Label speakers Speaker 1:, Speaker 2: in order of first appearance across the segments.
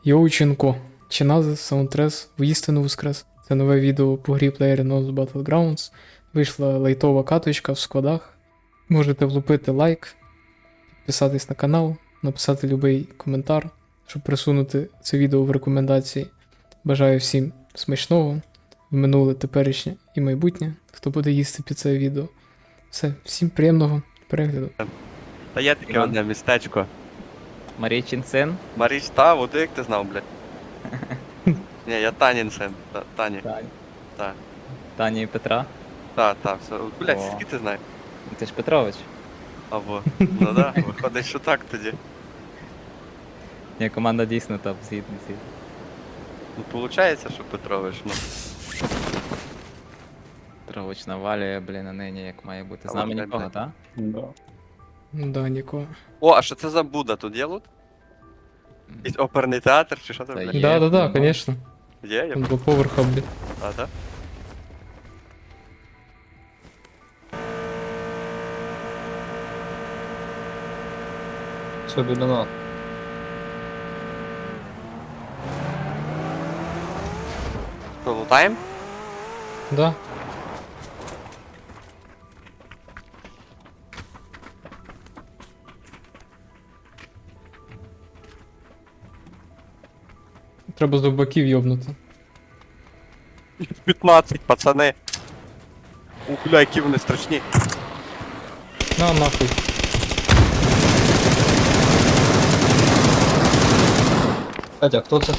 Speaker 1: Йоученко. Чиназис Саундтрес воістину воскрес. Це нове відео по грі PlayerUnknown's Battlegrounds. Вийшла лайтова каточка в складах. Можете влупити лайк, підписатись на канал, написати любий коментар, щоб присунути це відео в рекомендації. Бажаю всім смачного, в минуле, теперішнє і майбутнє, хто буде їсти під це відео. Все, всім приємного перегляду.
Speaker 2: Та є таке
Speaker 3: Іван.
Speaker 2: одне містечко.
Speaker 3: Марійчин син.
Speaker 2: Маріч, та, от як ти знав, блядь. Ні, я Танін син. Тані. Та.
Speaker 3: Тані і Петра.
Speaker 2: Та, все. Блядь,
Speaker 3: О.
Speaker 2: скільки ти знаєш?
Speaker 3: Ти ж Петрович.
Speaker 2: Або. Ну да, виходить, що так тоді.
Speaker 3: Ні, команда дійсно топ, згідний.
Speaker 2: Ну, получається, що Петрович, ну.
Speaker 3: Петрович навалює, блін, а нині як має бути. З
Speaker 2: Але,
Speaker 3: нами
Speaker 2: блядь,
Speaker 3: нікого,
Speaker 2: блядь.
Speaker 3: так?
Speaker 1: Да, нікого.
Speaker 2: О, а що це за Буда? Тут є лут? Якийсь оперний театр чи що там,
Speaker 3: Та
Speaker 2: блядь?
Speaker 3: є.
Speaker 1: Да, конечно.
Speaker 2: Є,
Speaker 1: Там
Speaker 2: є.
Speaker 1: два поверха, блін.
Speaker 2: А, так?
Speaker 4: Все біля нас.
Speaker 2: Що, лутаємо?
Speaker 1: Да. Треба зубаків йобнути.
Speaker 2: 15, пацани. У, бля, які вони страшні.
Speaker 1: На, нахуй.
Speaker 4: Катя, хто це?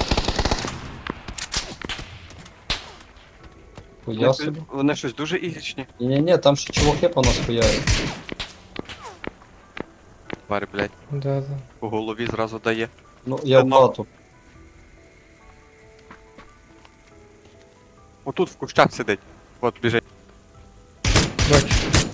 Speaker 4: Хуя собі.
Speaker 2: Вони щось дуже ігрічні.
Speaker 4: Ні-ні-ні, там ще чуваки по нас хуяють.
Speaker 2: Тварь, блядь,
Speaker 1: Да.
Speaker 2: по голові зразу дає.
Speaker 4: Ну, я в
Speaker 2: Ну.
Speaker 4: хату.
Speaker 2: Отут в кущах сидить. От біжить.
Speaker 1: Бачу.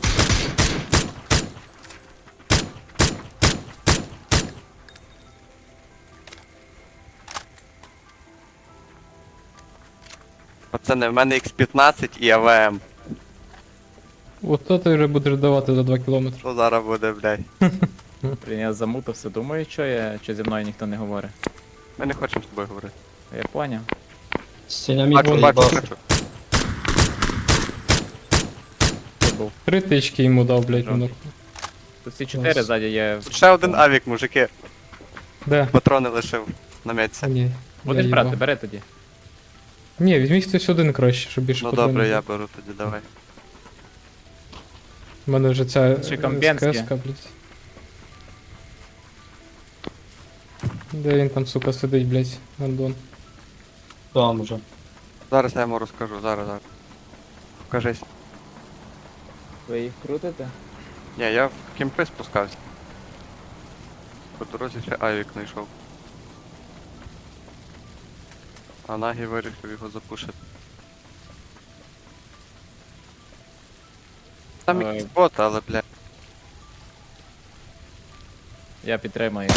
Speaker 2: Пацани, в мене X15 і АВМ.
Speaker 1: Ото ти вже будеш давати за 2 кілометри.
Speaker 2: Що зараз буде, блядь?
Speaker 3: Блін, я замутався, думаю, що зі мною ніхто не говорить.
Speaker 2: Ми не хочемо з тобою говорити.
Speaker 3: Я поняв.
Speaker 4: Синяміт
Speaker 2: Бачу, бачу,
Speaker 4: поїбав.
Speaker 2: бачу.
Speaker 3: Тут був.
Speaker 1: 3 тички йому дав, блядь,
Speaker 3: Жовтий.
Speaker 1: воно.
Speaker 3: Тут всі 4 ззаді є.
Speaker 2: Тут ще один авік, мужики.
Speaker 1: Де?
Speaker 2: Патрони лишив на
Speaker 1: А,
Speaker 2: м'ятці.
Speaker 1: ні.
Speaker 3: Будеш
Speaker 1: я
Speaker 3: брати,
Speaker 1: їбав.
Speaker 3: бери тоді.
Speaker 1: Ні, візьміть хтось один краще, щоб більше
Speaker 2: Ну
Speaker 1: патронів
Speaker 2: добре,
Speaker 1: було.
Speaker 2: я беру тоді, давай.
Speaker 1: У мене вже ця
Speaker 3: Чи Камбєнське?
Speaker 1: СКС-ка, блядь. Де він там, сука, сидить, блядь, Андон?
Speaker 4: Там уже.
Speaker 2: Зараз я йому розкажу, зараз. Покажись.
Speaker 3: Ви їх крутите?
Speaker 2: Ні, я в кімпи спускався. По дорозі ще авік знайшов. А Нагі вирішив його запушити. Там
Speaker 3: Ой.
Speaker 2: якийсь бот, але, блядь.
Speaker 3: Я підтримую.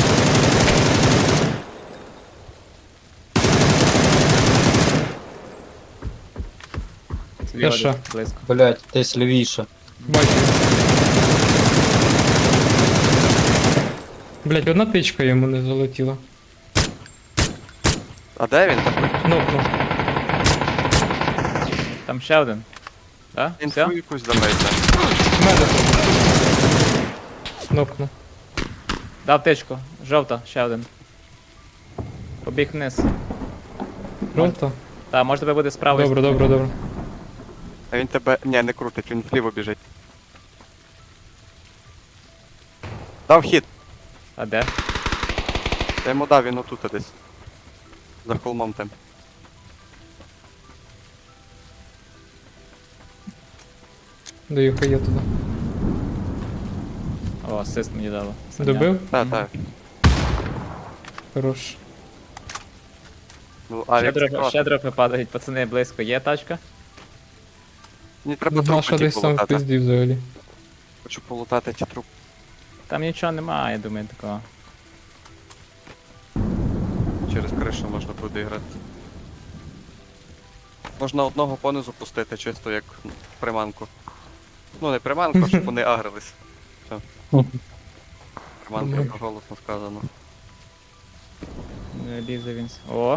Speaker 3: Зліва
Speaker 1: Я що?
Speaker 3: десь близько.
Speaker 4: Блять, десь лівіше.
Speaker 1: Бачу. Блядь, одна тичка йому не залетіла.
Speaker 2: А де він такий?
Speaker 1: Нокнув.
Speaker 3: Там ще один. Так?
Speaker 2: Інфу
Speaker 3: Все?
Speaker 2: якусь давайте.
Speaker 1: Меда. Нокнув.
Speaker 3: Дав тичку. Жовта, ще один. Побіг вниз.
Speaker 1: Жовта?
Speaker 3: Так, може тебе буде справа.
Speaker 1: Добре.
Speaker 2: А він тебе. Ні, не крутить, він вліво біжить. Дав хід.
Speaker 3: А де?
Speaker 2: Я йому дав, він отут десь. За холмом там.
Speaker 1: Даю хає туди.
Speaker 3: О, асист мені дало.
Speaker 1: Добив?
Speaker 2: Так.
Speaker 1: Хорош.
Speaker 2: Ну, авік
Speaker 3: Ще дропи падають, пацани, близько. Є тачка?
Speaker 2: Мені треба
Speaker 1: Наша
Speaker 2: трупи ті
Speaker 1: десь там в
Speaker 2: полутати.
Speaker 1: пизді взагалі.
Speaker 2: Хочу полутати ті трупи.
Speaker 3: Там нічого немає, я думаю, такого.
Speaker 2: Через кришу можна буде грати. Можна одного понизу пустити, чисто як приманку. Ну не приманку, а щоб вони агрились. Все. Приманка голосно сказано.
Speaker 3: Лізе він. О,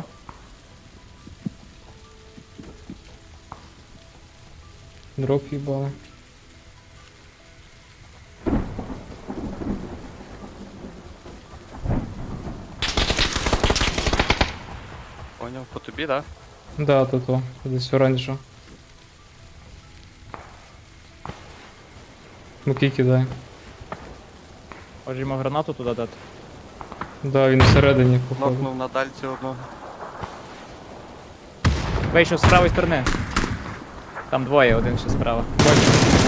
Speaker 1: Дроп їбали.
Speaker 2: Поняв, по тобі, да?
Speaker 1: Да, то, десь оранжево. Муки кидає.
Speaker 3: може йому гранату туди дати.
Speaker 1: Да, він всередині, походу.
Speaker 2: Нокнув на дальці одного.
Speaker 3: Вийшов з правої сторони. Там двоє, один ще справа.
Speaker 1: Бачу.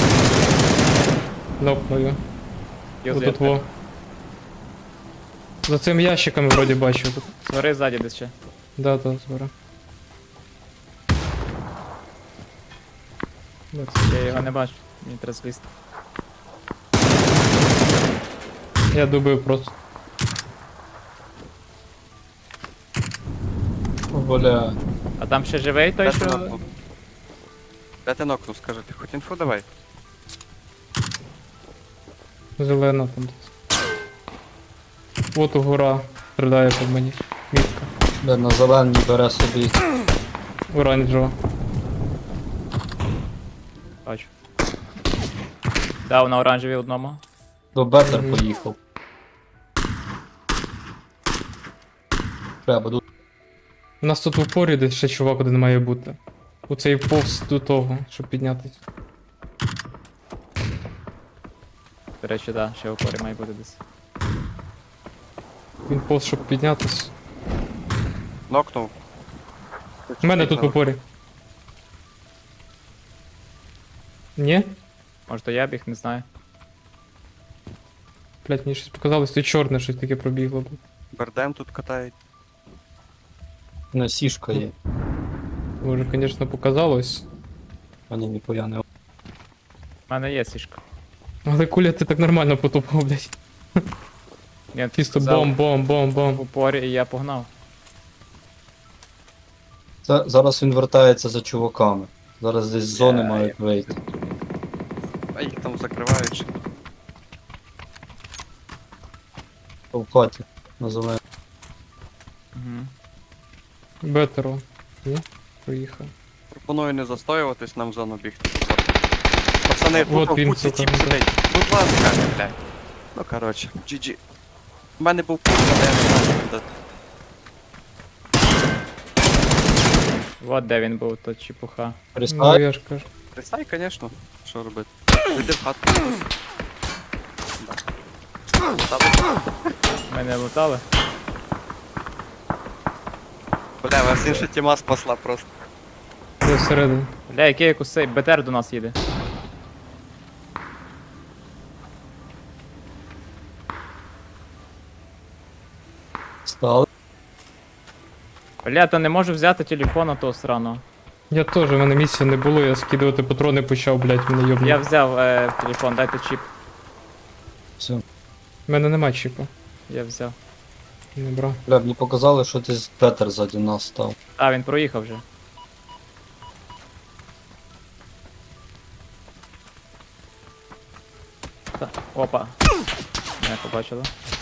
Speaker 1: Нокною.
Speaker 3: Юзує.
Speaker 1: Тут во. За цим ящиком вроді бачу тут.
Speaker 3: Свари ззаді десь ще.
Speaker 1: Да, збира.
Speaker 3: Я його не бачу. Мені треба злізти.
Speaker 1: Я дубив просто.
Speaker 4: Бля.
Speaker 3: А там ще живий той,
Speaker 2: Де ти
Speaker 3: що.
Speaker 2: нокнув? Де ти нокнув, скажи, ти хоч інфу давай.
Speaker 1: Зелена там десь. От гора стріляє по мені. Мітка.
Speaker 4: Бля, на зеленій бере собі.
Speaker 1: Оранжева.
Speaker 3: Бачу. Дав на оранжевій одному.
Speaker 4: До Бетер
Speaker 1: Мгм.
Speaker 4: поїхав. Бля, буду.
Speaker 1: У нас тут в упорі десь ще чувак один має бути. Оцей повз до того, щоб піднятись.
Speaker 3: До речі, да, ще в опорі має бути десь.
Speaker 1: Він повз, щоб піднятись.
Speaker 2: Нокнув.
Speaker 1: У мене тут в упорі. Ні?
Speaker 3: Може то я біг, не знаю.
Speaker 1: Блять, мені щось показалось, тут чорне щось таке пробігло.
Speaker 2: Бердем тут катають.
Speaker 4: Не сішка є.
Speaker 1: Може, звісно, показалось.
Speaker 4: Мені ніхуя не.
Speaker 3: У мене є сішка.
Speaker 1: Але куля ти так нормально потупав, блять.
Speaker 3: Він
Speaker 1: Чисто
Speaker 3: сказав
Speaker 1: бом.
Speaker 3: в упорі і я погнав.
Speaker 4: Зараз він вертається за чуваками. Зараз десь з зони
Speaker 3: Я-
Speaker 4: мають вийти.
Speaker 2: А їх там закривають. ще.
Speaker 4: В хаті. На зеленій.
Speaker 3: Угу.
Speaker 1: Бетеро. Ні? Проїхав.
Speaker 2: Пропоную не застоюватись, нам в зону бігти. Пацани,
Speaker 1: Вот
Speaker 2: тут
Speaker 1: він,
Speaker 2: в куці
Speaker 1: сука,
Speaker 2: тіп
Speaker 1: ну,
Speaker 2: сидить. Будь ласка, блядь. Ну коротше, GG. У мене був путь, але я не знаю, куди.
Speaker 3: От де він був, то чепуха.
Speaker 1: Ну,
Speaker 4: Пристай.
Speaker 1: я ж кажу.
Speaker 2: Пристай, звісно. Що робити? Зайди в хату. Да.
Speaker 3: Мене лутали.
Speaker 2: Бля, вас інша тіма спасла просто.
Speaker 1: Я всередині.
Speaker 3: Бля, який якось цей БТР до нас їде.
Speaker 4: Стали.
Speaker 3: Бля, та не можу взяти телефона того сраного.
Speaker 1: Я теж, в мене місця не було, я скидувати патрони почав, блять, мене йобнув.
Speaker 3: Я взяв телефон, дайте чіп.
Speaker 4: Все.
Speaker 1: У мене нема чіпа.
Speaker 3: Я взяв.
Speaker 1: Не брав.
Speaker 4: Бля, мені показали, що десь Бетер ззаді нас став.
Speaker 3: А, він проїхав вже. Та, опа. Мене побачили.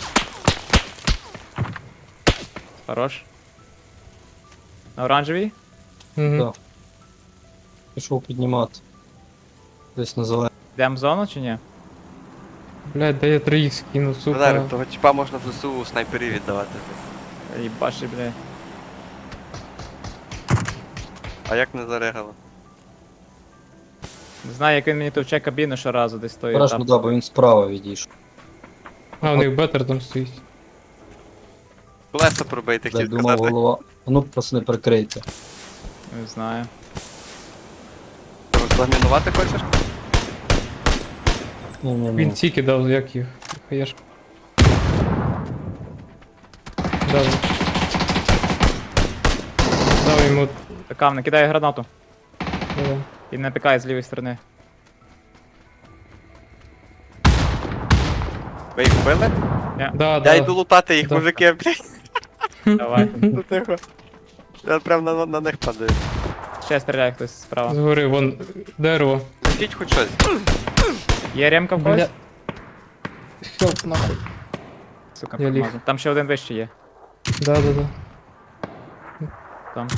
Speaker 3: Хорош. На оранжевій?
Speaker 1: Угу.
Speaker 4: Да. Пішов піднімати. Десь на зеленій.
Speaker 3: Йдемо в зону чи ні?
Speaker 1: Блять, де я 3х скину, сука.
Speaker 2: Бля, того типа можна в ЗСУ снайперів віддавати.
Speaker 3: Їбаши, бля.
Speaker 2: А як не зарегало?
Speaker 3: Не знаю, як він мені товче кабіну щоразу десь стоїть
Speaker 4: Бережно,
Speaker 3: там.
Speaker 4: да, бо він справа відійшов.
Speaker 1: А, у них бетер там стоїть.
Speaker 2: Колеса пробити,
Speaker 4: Бля,
Speaker 2: хотів
Speaker 4: думав
Speaker 2: сказати.
Speaker 4: голова. А ну, пацани, прикрийте.
Speaker 3: Не знаю.
Speaker 2: Розламінувати хочеш?
Speaker 4: Ні-ні-ні.
Speaker 1: Він ці кидав, як їх. Хаєш. Дав. Дав йому.
Speaker 3: Така, не кидає гранату.
Speaker 1: е,
Speaker 3: І не пікає з лівої сторони.
Speaker 2: Ви їх вбили?
Speaker 1: Да,
Speaker 2: Я
Speaker 1: да.
Speaker 2: йду лутати їх,
Speaker 1: Да.
Speaker 2: мужики, блядь.
Speaker 3: Давай.
Speaker 2: Ну тихо. Я прям на них падаю.
Speaker 3: Ще стріляє хтось справа.
Speaker 1: Згори, вон дерево.
Speaker 2: Закіть хоч щось.
Speaker 3: Є ремка в когось?
Speaker 1: Бля. Хелп нахуй.
Speaker 3: Сука,
Speaker 1: Я ліг.
Speaker 3: промазав. Там ще один вище є.
Speaker 1: Да.
Speaker 3: Там.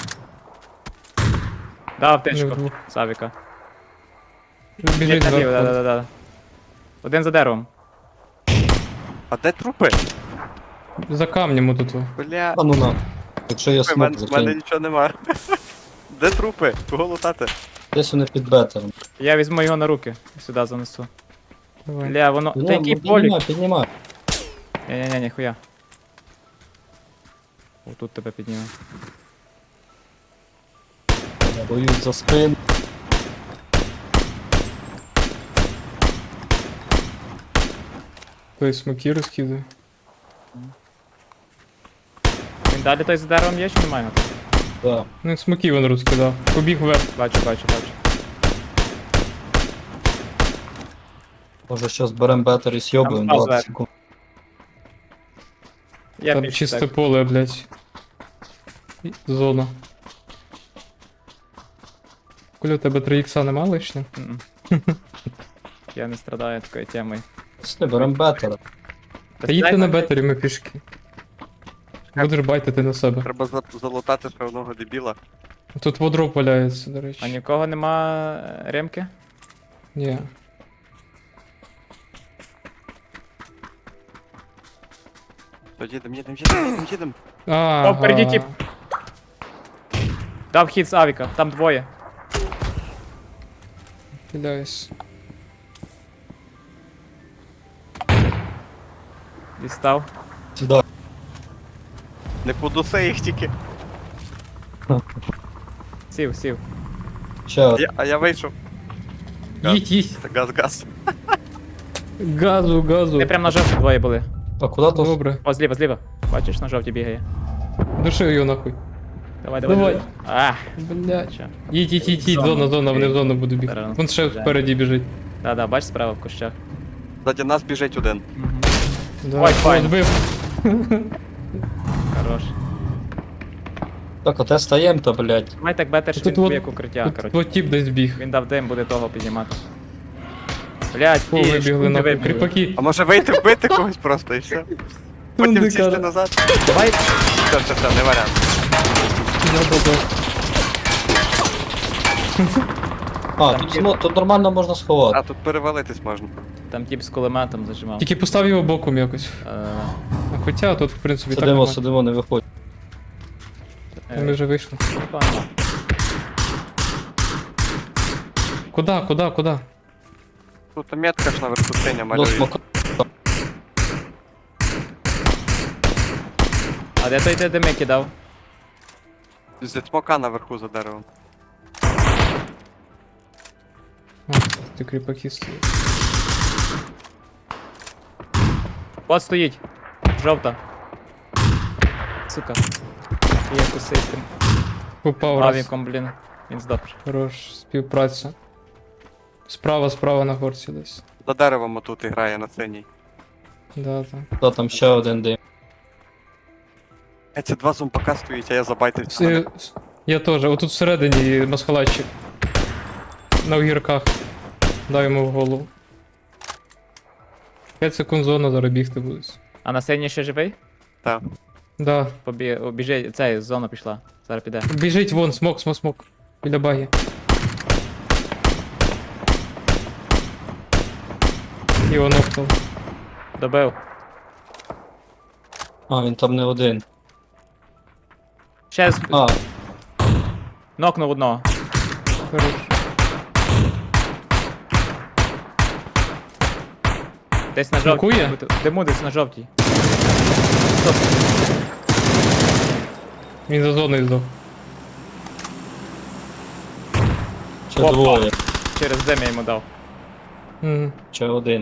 Speaker 3: Дав
Speaker 1: Не
Speaker 3: аптечку.
Speaker 1: вдвох.
Speaker 3: Савіка.
Speaker 1: Біжить
Speaker 3: Да,
Speaker 1: зверху.
Speaker 3: да, да, да. Один за деревом.
Speaker 2: А де трупи?
Speaker 1: За камнем отут.
Speaker 2: Бля,
Speaker 4: А ну на. Якщо є
Speaker 2: в мене,
Speaker 4: смок,
Speaker 2: в мене
Speaker 4: закинь.
Speaker 2: нічого нема. Де трупи? Кого лутати?
Speaker 4: Десь вони під бетером.
Speaker 3: Я візьму його на руки. Сюди занесу.
Speaker 1: Давай.
Speaker 3: Бля, воно. Та який полік?
Speaker 4: Піднімай, піднімай.
Speaker 3: Ні-ні-ні, ніхуя. О, тут тебе підніму.
Speaker 4: Я боюсь за спину.
Speaker 1: Той смоки розкидує.
Speaker 3: Він далі той за деревом є чи немає його там?
Speaker 4: Да.
Speaker 1: Ну, смоки він розкидав. Побіг вверх.
Speaker 3: Бачу, бачу, бачу.
Speaker 4: Може щас берем бетер і сьобуємо
Speaker 3: Там
Speaker 4: 20
Speaker 3: зверху.
Speaker 4: секунд.
Speaker 3: Я
Speaker 1: Там
Speaker 3: більше
Speaker 1: чисте
Speaker 3: так.
Speaker 1: поле, блядь. І зона. Коля, у тебе 3 ікса нема лишня?
Speaker 3: Мгм. Я не страдаю такою темою.
Speaker 4: Пішли, берем бетера.
Speaker 1: Та їдьте на бетері, ми пішки. Будеш байтити на себе.
Speaker 2: Треба залутати ще одного дебіла.
Speaker 1: Тут водроп валяється, до речі.
Speaker 3: А нікого нема ремки?
Speaker 1: Ні.
Speaker 2: Що, їдем.
Speaker 1: Ага.
Speaker 3: впереді тип. Дав хід з авіка, там двоє.
Speaker 1: Хиляюсь.
Speaker 3: Дістав.
Speaker 4: Сюди.
Speaker 2: Не подуси їх тільки.
Speaker 3: Сів, сів.
Speaker 4: Ще один.
Speaker 2: А я вийшов. Газ.
Speaker 1: Їдь.
Speaker 2: Газ.
Speaker 1: Газу, газу.
Speaker 3: Ти прям на жовті двоє були.
Speaker 4: А куди то?
Speaker 1: Добре.
Speaker 3: О, зліва, зліва. Бачиш, на жовті бігає.
Speaker 1: Души його нахуй.
Speaker 3: Давай, давай.
Speaker 1: Давай.
Speaker 3: Ах,
Speaker 1: Блядь.
Speaker 3: чо.
Speaker 1: Їдь, зона, вони в зону будуть бігти.
Speaker 3: Зараз.
Speaker 1: Вон ще впереді біжить.
Speaker 3: Да-да, бач справа в кущах.
Speaker 2: Ззаді нас біжить один.
Speaker 1: Да,
Speaker 3: Ой, файн.
Speaker 1: збив.
Speaker 3: Хорош.
Speaker 4: Так, оте стаєм то, блядь.
Speaker 3: Давай так бетер, що
Speaker 1: Тут
Speaker 3: він тобі
Speaker 1: от-
Speaker 3: як укриття,
Speaker 1: Тут
Speaker 3: коротше.
Speaker 1: от тіп десь біг.
Speaker 3: Він дав дим, буде того піднімати. Блять,
Speaker 1: О, вибігли нахуй. Кріпаки.
Speaker 2: А може вийти вбити когось просто і все? Потім
Speaker 1: Ну,
Speaker 2: сісти
Speaker 1: дикара.
Speaker 2: назад.
Speaker 3: Давай.
Speaker 2: Все, не варіант.
Speaker 4: А,
Speaker 3: Там
Speaker 4: тут,
Speaker 3: є-
Speaker 4: тут нормально можна сховати.
Speaker 2: А тут перевалитись можна.
Speaker 3: Там тип з кулеметом зажимав.
Speaker 1: Тільки постав його боком якось. А хоча тут, в принципі, так.
Speaker 4: Сидимо,
Speaker 1: нормально.
Speaker 4: сидимо, не виходь.
Speaker 1: Ми вже вийшли.
Speaker 3: Пані.
Speaker 1: Куда?
Speaker 2: Тут метка ж наверху синя
Speaker 4: До
Speaker 2: малює.
Speaker 4: смока.
Speaker 3: А де той де дими кидав?
Speaker 2: Зі смока наверху за деревом.
Speaker 1: А, ти кріпаки стоїть.
Speaker 3: От стоїть. Жовта. Сука. Є кусистим.
Speaker 1: Попав раз.
Speaker 3: Авіком, блін. Він здох.
Speaker 1: Хорош, співпраця. Справа на горці десь.
Speaker 2: За деревом отут і грає на синій.
Speaker 1: Да, так.
Speaker 4: Та там ще один дим.
Speaker 2: Це два зомбака стоїть, а я забайтився.
Speaker 1: Я теж. Отут всередині масхалатчик. На огірках. Дай йому в голову. 5 секунд зона зараз бігти будуть.
Speaker 3: А на сцені ще живий?
Speaker 2: Так.
Speaker 1: Да.
Speaker 3: Біжи, цей, зона пішла. Зараз піде.
Speaker 1: Біжить вон, смок. Біля баги. Його нокнув.
Speaker 3: Добив.
Speaker 4: А, він там не один.
Speaker 3: Ще
Speaker 4: А,
Speaker 3: нокнув одного.
Speaker 1: Хорош.
Speaker 3: Десь на жовтій.
Speaker 1: Смакує?
Speaker 3: Диму десь на жовтій.
Speaker 1: Він за зоною здох.
Speaker 4: ще
Speaker 3: Опа.
Speaker 4: двоє.
Speaker 3: Через дим я йому дав.
Speaker 1: Мгм.
Speaker 4: Ще один.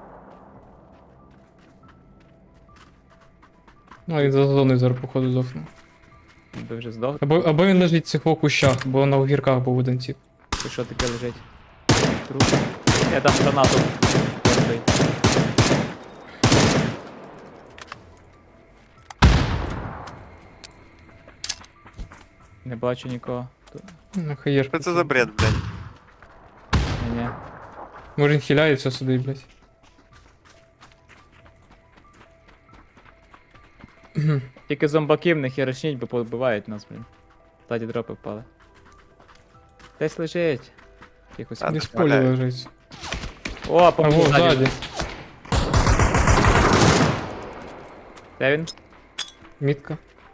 Speaker 1: А він за зоною зараз походу здохне.
Speaker 3: Би вже здох.
Speaker 1: Або він лежить в цих в кущах, бо на огірках був один тип.
Speaker 3: Чи що таке лежить? Труп. Я дам гранату. Ой. Не бачу нікого.
Speaker 1: Ну, хаєшка.
Speaker 2: Що це за бред, блядь?
Speaker 3: Ні.
Speaker 1: Може він хиляється сюди, блядь.
Speaker 3: Тільки зомбаків не херачніть, бо побивають нас, блін. Ззаді дропи впали. Десь лежить. Якось.
Speaker 2: А,
Speaker 1: Десь в
Speaker 2: так,
Speaker 1: полі
Speaker 2: валяю.
Speaker 1: лежить.
Speaker 3: О, по
Speaker 1: А
Speaker 3: мені
Speaker 1: во,
Speaker 3: ззаді.
Speaker 1: ззаді.
Speaker 3: Де він?
Speaker 1: Мітка.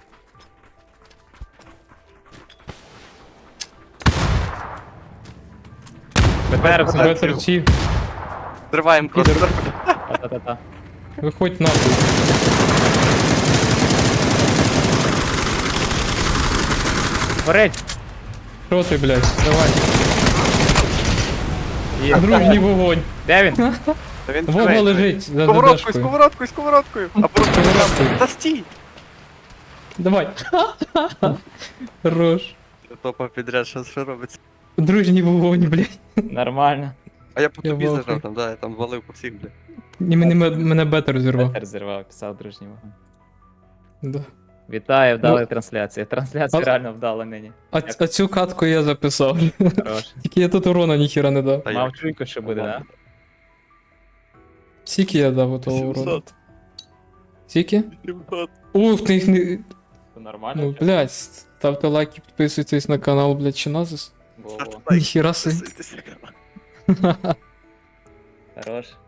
Speaker 3: БТР
Speaker 2: Бетер.
Speaker 1: Бетер Чі.
Speaker 2: Зриваємо просто.
Speaker 3: Та-та-та.
Speaker 1: Виходь нахуй.
Speaker 3: Горить!
Speaker 1: Що ти, блядь? Давай.
Speaker 3: Є.
Speaker 1: Дружній вогонь.
Speaker 3: Де він?
Speaker 2: Та він
Speaker 1: Вова
Speaker 2: живий.
Speaker 1: лежить за
Speaker 2: Сковородкою,
Speaker 1: ДДшкою.
Speaker 2: сковородкою, сковородкою. А просто
Speaker 1: Сковородкою.
Speaker 2: та стій.
Speaker 1: Давай. Хорош.
Speaker 2: Топа підряд, що робиться.
Speaker 1: Дружній вогонь, блядь.
Speaker 3: Нормально.
Speaker 2: А я по
Speaker 1: Я
Speaker 2: тобі
Speaker 1: в ахуї.
Speaker 2: зажав там, да, я там валив по всіх, блядь.
Speaker 1: І мене бетер зірвав.
Speaker 3: БТР зірвав, писав дружній вогонь.
Speaker 1: Да.
Speaker 3: Вітаю, вдала
Speaker 1: Ну,
Speaker 3: трансляція. Трансляція
Speaker 1: а-
Speaker 3: реально вдала нині.
Speaker 1: А цю катку я записав.
Speaker 3: Хорош.
Speaker 1: Тільки я тут урона ніхіра не дав.
Speaker 2: Та
Speaker 3: Мав
Speaker 2: як?
Speaker 3: чуйку, що буде, да?
Speaker 1: Скільки я дав у того урону?
Speaker 2: 700.
Speaker 1: Скільки?
Speaker 2: 700.
Speaker 1: Ух, ти їх не...
Speaker 3: Це нормально?
Speaker 1: Ну, блядь, ставте лайки, підписуйтесь на канал, блядь, Чиназис.
Speaker 3: Во-во.
Speaker 2: Лайк,
Speaker 1: Ніхіра си.
Speaker 2: підписуйтесь.
Speaker 3: Хорош.